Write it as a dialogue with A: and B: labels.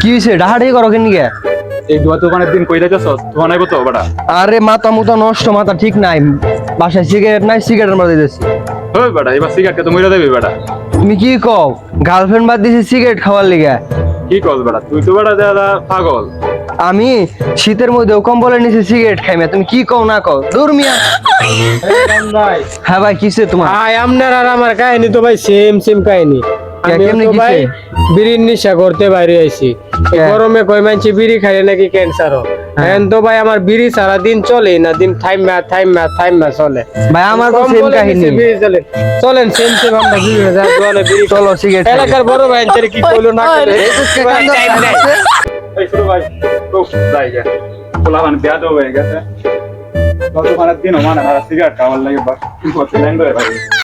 A: কি হইছে ডাহাডাহি করো কেন গিয়া?
B: এই দুয়া দোকানের দিন কই যাইতেছ তোমার নাই তো বেটা?
A: আরে মাথা মুতা নষ্ট, মাথা ঠিক নাই। বাসায় সিগারেট নাই, সিগারেটের মধ্যে দিতেছি।
B: ওই বেটা এবার সিগারেট তো মইরা দেবি বেটা।
A: তুমি কি কও? গার্লফ্রেন্ড বাদ দিছি সিগারেট খাওয়ার লিগা।
B: কি কস বেটা? তুই তো বেটা দাদা পাগল।
A: আমি শীতের মধ্যেও কম্বলের নিচে সিগারেট খাই না। তুমি কি কও না কও? দূর মিয়া। হ্যাঁ ভাই, কিসে তোমার?
C: ভাই আপনার আর আমার কাহিনী তো ভাই সেম সেম কাহিনী। আমি
A: কেমনে
C: তো
A: কিসে?
C: ভাই বিড়ির নেশা করতে বাইরে আইছি। এই
A: কে?
C: গরমে কই মানছি বিড়ি খাইলে নাকি ক্যান্সার হয়। এখন তো ভাই আমার বিড়ি সারা দিন চলে না, দিন থাইমা চলে।
A: ভাই আমার তো সেম
C: কম্বলের
A: কাহিনী।
C: নিচে বিড়ি চলে। চলেন সেম সেম আমরা বিড়ি যা দোকানে বিড়ি
A: চলো সিগারেট খাই।
C: এলাকার বড় ভাই আনছে কি কইলো না কইলো।
B: এই শুরু ভাই তো যাই গে পোলা মানে বিয়া তো হয়ে গেছে। দোকানের দিন মানে আর সিগারেট খাওয়ার লাগে বাস কি করতে ল্যান্ড হয়ে ভাই।